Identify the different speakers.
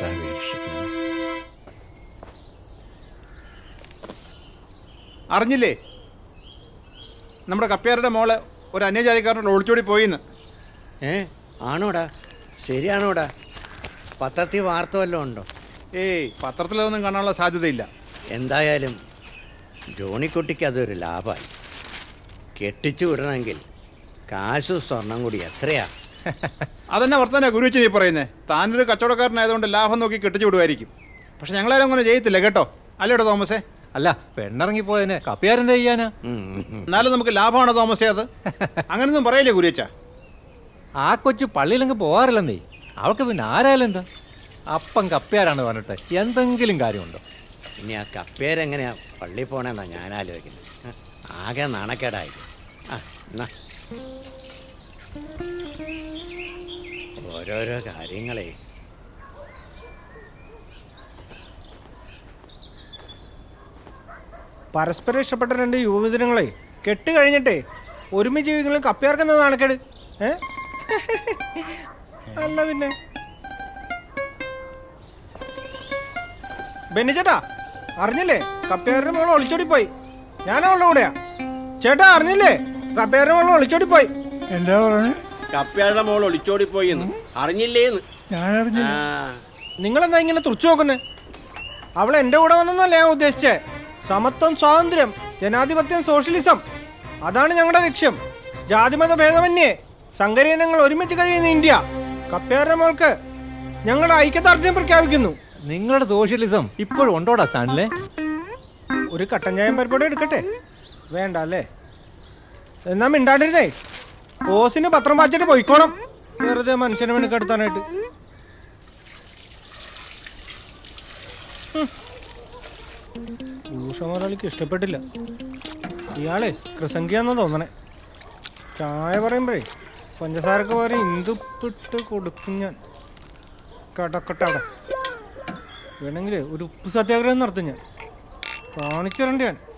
Speaker 1: കർത്താവേ രക്ഷിക്കണമേ.
Speaker 2: അറിഞ്ഞില്ലേ നമ്മുടെ കപ്പ്യാരുടെ മോള് ഒരു അന്യജാതിക്കാരനോട് ഒളിച്ചോടി പോയിന്ന്?
Speaker 1: ആണോടാ? ശരിയാണോടാ? പത്രത്തിൽ വാർത്ത വല്ലതും ഉണ്ടോ?
Speaker 2: ഏയ്, പത്രത്തിലതൊന്നും കാണാനുള്ള സാധ്യതയില്ല.
Speaker 1: എന്തായാലും ജോണിക്കുട്ടിക്ക് അതൊരു ലാഭമായി. കെട്ടിച്ചു വിടണമെങ്കിൽ കാശും സ്വർണം കൂടി എത്രയാ?
Speaker 2: അതെന്നെ വർത്തമാനാ ഗുരുവച്ചൻ ഈ പറയുന്നത്. താനൊരു കച്ചവടക്കാരനായതുകൊണ്ട് ലാഭം നോക്കി കെട്ടിച്ചു വിടുമായിരിക്കും. പക്ഷെ ഞങ്ങളാരും അങ്ങനെ ചെയ്യത്തില്ല കേട്ടോ. അല്ലേട്ടോ തോമസേ?
Speaker 3: അല്ല, പെണ്ണിറങ്ങിപ്പോയതിനെ കപ്പ്യാരെന്താ ചെയ്യാനാ?
Speaker 2: എന്നാലും നമുക്ക് ലാഭമാണോ തോമസേ അത്? അങ്ങനൊന്നും പറയില്ലേ ഗുരുവച്ച?
Speaker 3: ആ കൊച്ചു പള്ളിയിലെങ്കിൽ പോകാറില്ലെന്നേ. അവൾക്ക് പിന്നെ ആരായാലും എന്താ? അപ്പം കപ്പ്യാരാണ് പറഞ്ഞിട്ട് എന്തെങ്കിലും കാര്യമുണ്ടോ?
Speaker 1: ഇനി ആ കപ്പേരെങ്ങനെയാ പള്ളി പോണെന്നാ ഞാൻ ആലോചിക്കുന്നത്. ആകെ നാണക്കേടായി. എന്നാ ഓരോരോ കാര്യങ്ങളെ.
Speaker 4: പരസ്പരം ഇഷ്ടപ്പെട്ട രണ്ട് യുവമിഥുനങ്ങളെ കെട്ട് കഴിഞ്ഞിട്ടേ ഒരുമിച്ച് ജീവിക്കുന്ന കപ്പ്യാർക്കെന്താ നാണക്കേട്? അല്ല പിന്നെ ബെന്നിച്ചേട്ടാ, അറിഞ്ഞില്ലേ കപ്പ്യാരുടെ മോള് ഒളിച്ചോടി പോയി? ഞാൻ അവളുടെ കൂടെയാ. ചേട്ടാ അറിഞ്ഞില്ലേ കപ്പ്യാരുടെ മോള് ഒളിച്ചോടി പോയി?
Speaker 5: എന്താ പറഞ്ഞേ?
Speaker 6: കപ്പ്യാരുടെ മോൾ ഒളിച്ചോടി പോയിന്ന് അറിഞ്ഞില്ലേന്ന്?
Speaker 5: ഞാൻ അറിഞ്ഞില്ല.
Speaker 4: നിങ്ങളെന്താ ഇങ്ങനെ തുറച്ചു നോക്കുന്നേ? അവൾ എൻ്റെ കൂടെ വന്നെന്നല്ല ഞാൻ ഉദ്ദേശിച്ചേ. സമത്വം, സ്വാതന്ത്ര്യം, ജനാധിപത്യം, സോഷ്യലിസം, അതാണ് ഞങ്ങളുടെ ലക്ഷ്യം. ജാതിമത ഭേദമന്യേ സങ്കരീനങ്ങൾ ഒരുമിച്ച് കഴിയുന്ന ഇന്ത്യ. കപ്പ്യാരുടെ മോൾക്ക് ഞങ്ങളുടെ ഐക്യദാർഢ്യം പ്രഖ്യാപിക്കുന്നു.
Speaker 3: നിങ്ങളുടെ സോഷ്യലിസം ഇപ്പോഴും ഉണ്ടോടാ സ്റ്റാൻഡിലെ?
Speaker 4: ഒരു കട്ടൻ ചായം പരിപാടി എടുക്കട്ടെ? വേണ്ട അല്ലേ? എന്നാ മിണ്ടാണ്ടിരുന്നേ. ഓസിന് പത്രം വായിച്ചിട്ട് പോയിക്കോണം. വെറുതെ മനുഷ്യനെ മെനുക്കെടുത്താനായിട്ട്. ഭൂഷമുതലാളിക്ക് ഇഷ്ടപ്പെട്ടില്ല. ഇയാളെ കൃസംഖ്യാന്നാ തോന്നണേ. ചായ പറയുമ്പോഴേ പഞ്ചസാരക്ക് പകരം ഇന്ദുപ്പിട്ട് കൊടുക്കും ഞാൻ. കടക്കട്ടാടെ വേണമെങ്കിൽ ഒരു ഉപ്പ് സത്യാഗ്രഹം നടത്തും ഞാൻ. കാണിച്ചിരണ്ട ഞാൻ.